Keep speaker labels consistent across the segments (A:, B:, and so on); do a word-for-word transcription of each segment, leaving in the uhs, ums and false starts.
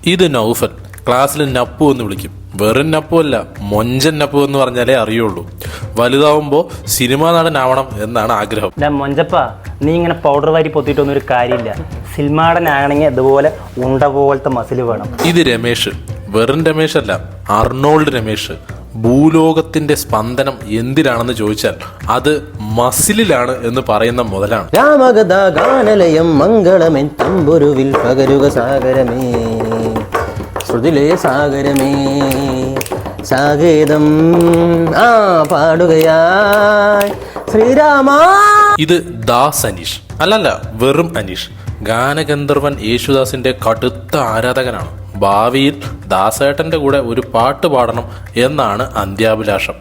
A: ഇത് നൗഫൽ. ക്ലാസ്സിൽ നപ്പു എന്ന് വിളിക്കും. വെറും നപ്പു അല്ല, മൊഞ്ചൻ നപ്പു എന്ന് പറഞ്ഞാലേ അറിയുള്ളൂ. വലുതാവുമ്പോൾ സിനിമാ നടനാവണം എന്നാണ് ആഗ്രഹം.
B: മൊഞ്ചപ്പ, നീ ഇങ്ങനെ പൗഡർ വാരി പൊത്തിയിട്ടൊന്നും ഒരു കാര്യമില്ല. സിനിമാടനാണെങ്കിൽ അതുപോലെ ഉണ്ട പോലത്തെ മസിൽ വേണം.
A: ഇത് രമേശ്. വെറും രമേശ് അല്ല, അർണോൾഡ് രമേശ്. ഭൂലോകത്തിന്റെ സ്പന്ദനം എന്തിനാണെന്ന് ചോദിച്ചാൽ അത് മസിലിലാണ് എന്ന് പറയുന്ന മുതലാണ്.
C: രാമകഥാ ഗാനലയം മംഗളമെൻ തമ്പുരുവിൽ പകരുക സാഗരമേ, ശ്രുതിലേ സാഗരമേ, സാഗേതം ആ പാടുകയായി ശ്രീരാമ.
A: ഇത് ദാസ് അനീഷ്. അല്ലല്ല, വെറും അനീഷ്. ഗാനഗന്ധർവൻ യേശുദാസിന്റെ കടുത്ത ആരാധകനാണ്. ഭാവിയിൽ ദാസേട്ടന്റെ കൂടെ ഒരു പാട്ട് പാടണം എന്നാണ് അന്ത്യാഭിലാഷം.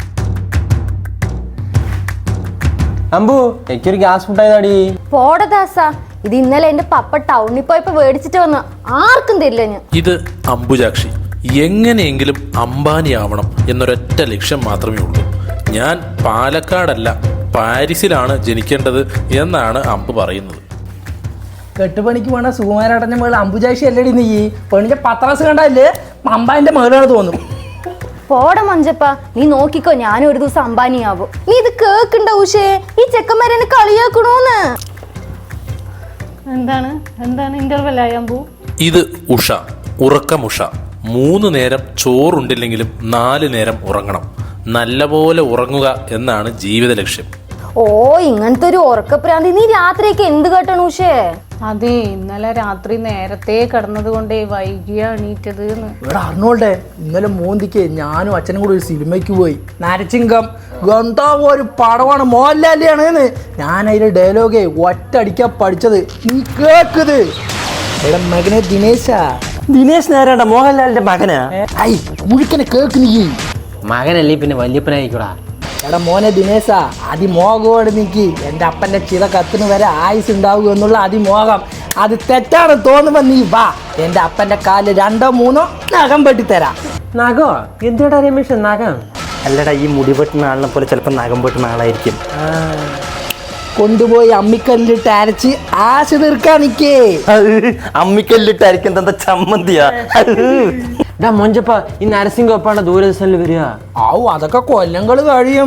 C: അമ്പു, എനിക്കൊരു ഗ്യാസ് ഫുഡായതാടി.
D: പോടദാസ, ഇത് ഇന്നലെ എന്റെ പപ്പ ടൗണിൽ പോയപ്പോ മേടിച്ചിട്ട് വന്ന, ആർക്കും തരില്ല ഞാൻ.
A: ഇത് അംബുജാക്ഷി. എങ്ങനെയെങ്കിലും അംബാനിയാവണം എന്നൊരൊറ്റ ലക്ഷ്യം മാത്രമേ ഉള്ളൂ. ഞാൻ പാലക്കാടല്ല, പാരീസിലാണ് ജനിക്കേണ്ടത് എന്നാണ് അമ്പ് പറയുന്നത്.
E: കെട്ടുപണിക്ക് വേണ സുകുമാരടഞ്ഞ മേള് അംബുജാക്ഷി അല്ലടി നീ. പെണ്ണിന്റെ പത്രാസ് കണ്ടല്ലേ അമ്പാന്റെ മേളാണ് തോന്നും.
D: പോട മഞ്ചപ്പ, നീ നോക്കിക്കോ, ഞാനും ഒരു ദിവസം അംബാനിയാവും. നീ ഇത് കേക്കണ്ട ഉഷേ, ഈ ചെക്കന്മാരെന്നെ കളിയാക്കണോന്ന്. എന്താണ് എന്താണ് ഇന്റർവെൽ ആയമ്പൂ?
A: ഇത് ഉഷ, ഉറക്കമുഷ. മൂന്ന് നേരം ചോറുണ്ടില്ലെങ്കിലും നാല് നേരം ഉറങ്ങണം. നല്ലപോലെ ഉറങ്ങുക എന്നാണ് ജീവിത ലക്ഷ്യം.
D: ഓ, ഇങ്ങനത്തെ ഒരു ഉറക്കപ്രാന്തി. നീ രാത്രിയൊക്കെ എന്ത് കേട്ടണു ഉഷേ?
F: അതെ, ഇന്നലെ രാത്രി നേരത്തെ കിടന്നത് കൊണ്ടേ വൈകിയ എണീറ്റത്.
E: ഇവിടെ അർണോൾഡേ, ഇന്നലെ മോന്തിക്ക് ഞാനും അച്ഛനും കൂടി ഒരു സിനിമയ്ക്ക് പോയി. നരച്ചിങ്കം ഗന്ധാവ് ഒരു പടമാണ്, മോഹൻലാലിയാണ്. ഞാൻ അതിന്റെ ഡയലോഗേ ഒറ്റ അടിക്കാൻ പഠിച്ചത്. നീ കേക്കത് എടാ മകനെ ദിനേശ.
C: ദിനേശ് നേരണ്ട മോഹൻലാലിന്റെ മകനാ.
E: ഐ മുഴുക്കനെ കേക്ക് നീ.
C: മകനല്ലേ പിന്നെ വല്യപ്പനായിക്കൂടാ.
E: എടാ മോനെ ദിനേശ, അതിമോഹോട് നിൽക്കി. എൻ്റെ അപ്പൻ്റെ ചില കത്തിന് വരെ ആയുസ് ഉണ്ടാവുക എന്നുള്ള അതിമോഹം. അത് തെറ്റാണ് തോന്നുമ്പോ നീ വാ, എൻ്റെ അപ്പൻ്റെ കാലിൽ രണ്ടോ മൂന്നോ നഖം വെട്ടിത്തരാം.
C: നഗോ എന്തുകൊണ്ടാ രമേശ് നഖം?
B: അല്ലടാ, ഈ മുടി വെട്ടുന്ന ആളിനെ പോലെ ചിലപ്പോൾ നഖം വെട്ടുന്ന ആളായിരിക്കും.
E: കൊണ്ടുപോയി അമ്മിക്കല്ലിട്ട് അരച്ച് ആശ തീർക്കാൻ നിൽക്കേ.
C: അമ്മിക്കല്ലിട്ട് അരിക്കാൻ തന്ന ചമ്മന്തിയാ. മൊഞ്ചപ്പ, ഈ നരസിംഹ ഒപ്പാണ് ദൂരദർശനിൽ വരിക.
E: ആവു, അതൊക്കെ കൊല്ലങ്ങൾ കഴിയും.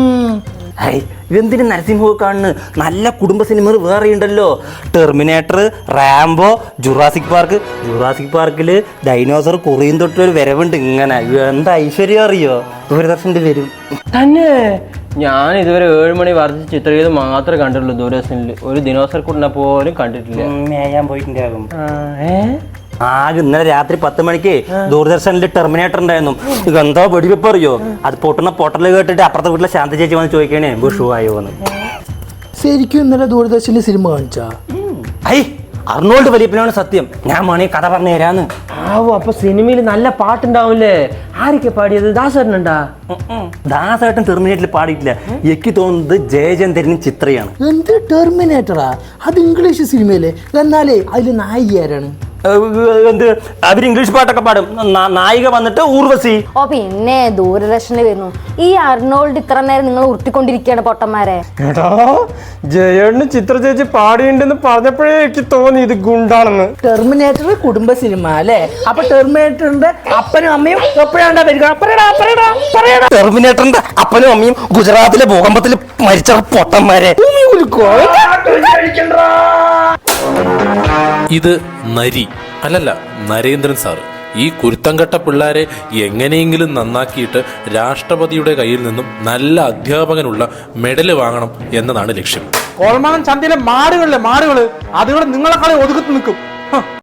B: ഇതെന്തിനു നരസിംഹ കാണുന്നു? നല്ല കുടുംബ സിനിമകൾ വേറെ ഉണ്ടല്ലോ. Terminator, Rambo, Jurassic Park. Jurassic പാർക്കില് ഡൈനോസർ കുറിയും തൊട്ടൊരു വരവുണ്ട്. ഇങ്ങനെ എന്താ ഐശ്വര്യം അറിയോ? ദൂരദർശനിൽ വരും
C: തന്നെ. ഞാൻ ഇതുവരെ ഏഴ് മണി വർദ്ധിച്ച് ചിത്രീകരണം മാത്രമേ കണ്ടിട്ടുള്ളൂ ദൂരദർശനിൽ. ഒരു ദിനോസർ കുട്ടിനെ പോലും കണ്ടിട്ടില്ല.
B: മേയാൻ പോയിട്ടുണ്ടാകും.
C: ആകെ ഇന്നലെ രാത്രി പത്ത് മണിക്ക് ദൂരദർശനിൽ ടെർമിനേറ്റർ ഉണ്ടായിരുന്നു. എന്താ വെടിവെപ്പ് അറിയോ? അത് പൊട്ടുന്ന പൊട്ടൽ കേട്ടിട്ട് അപ്പുറത്തെ വീട്ടിലെ ശാന്ത ചേച്ചി വന്ന് ചോദിക്കണേ ഷൂ ആയോ എന്ന്.
E: ശരിക്കും ഇന്നലെ ദൂരദർശനിൽ സിനിമ കാണിച്ചാ?
C: ഐ, അർണോൾഡ് വലിയപ്പനാണ് സത്യം. ഞാൻ വേണേ കഥ പറഞ്ഞു തരാന്ന്. ആവോ, അപ്പൊ സിനിമയിൽ നല്ല പാട്ടുണ്ടാവൂലേ? ആരൊക്കെ പാടിയത്? ദാസേട്ടനുണ്ടാ? ദാസേട്ടൻ ടെർമിനേറ്ററിൽ പാടിയിട്ടില്ല. എനിക്ക് തോന്നുന്നത് ജയചന്ദ്രനും ചിത്രയാണ്.
E: എന്ത് ടെർമിനേറ്ററാ? അത് ഇംഗ്ലീഷ് സിനിമയിലെ. എന്നാലേ അതിൽ നായിക ആരാണ്?
C: എന്ത്, അവര് ഇംഗ്ലീഷ് പാട്ടൊക്കെ പാടും. നായിക വന്നിട്ട് ഊർവശി.
D: ഓ പിന്നെ ദൂരദർശനിൽ വരുന്നു. ഈ അർണോൾഡ് ഇത്ര നേരം നിങ്ങൾ ഉരുട്ടിക്കൊണ്ടിരിക്കുകയാണ് പൊട്ടന്മാരെ.
G: ജയേണ്ണന് ചിത്ര ചേച്ചി പാടിയുണ്ടെന്ന് പറഞ്ഞപ്പോഴേ എനിക്ക് തോന്നി ഇത് ഗുണ്ടാണെന്ന്.
E: ടെർമിനേറ്റർ കുടുംബ സിനിമ അല്ലേ? അപ്പൊ ടെർമിനേറ്ററിന്റെ അപ്പനും അമ്മയും എപ്പോഴാണ്ടാ വരിക?
C: ടെർമിനേറ്ററിന്റെ അപ്പനും അമ്മയും ഗുജറാത്തിലെ ഭൂകമ്പത്തിൽ മരിച്ച പൊട്ടന്മാരെ.
A: ഇത് നരി. അല്ലല്ല, നരേന്ദ്രൻ സാറ്. ഈ കുരുത്തംകെട്ട പിള്ളേരെ എങ്ങനെയെങ്കിലും നന്നാക്കിയിട്ട് രാഷ്ട്രപതിയുടെ കയ്യിൽ നിന്നും നല്ല അധ്യാപകനുള്ള മെഡല് വാങ്ങണം എന്നതാണ് ലക്ഷ്യം.
G: കോൾമാനം ചന്തയിലെ മാടുകളിലെ മാടുകള് അതുകൊണ്ട് നിങ്ങളെക്കാളെ ഒതുക്കത്ത് നിൽക്കും.